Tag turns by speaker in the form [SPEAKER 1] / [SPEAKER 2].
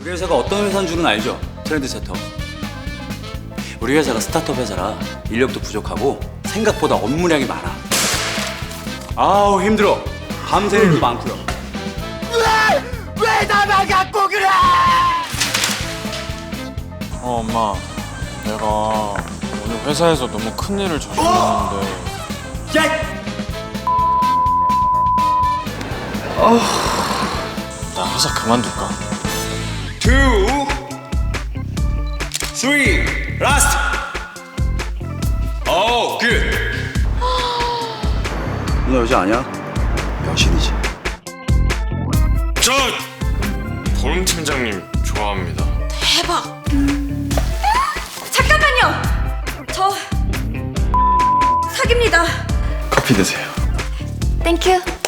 [SPEAKER 1] 우리 회사가 어떤 회사인 줄은 알죠? 트렌드세터. 우리 회사가 스타트업 회사라 인력도 부족하고 생각보다 업무량이 많아. 아우 힘들어. 밤새는 일도 많고요.
[SPEAKER 2] 왜 나만 갖고 그래?
[SPEAKER 3] 엄마, 내가 오늘 회사에서 너무 큰 일을 저질렀는데. 나 회사 그만둘까?
[SPEAKER 1] 2, 3, 라스트. 오, 굿. 너 여자 아니야? 여신이지.
[SPEAKER 3] 저 보름 팀장님 좋아합니다.
[SPEAKER 4] 대박! 잠깐만요! 저 사깁니다.
[SPEAKER 3] 커피 드세요.
[SPEAKER 4] 땡큐.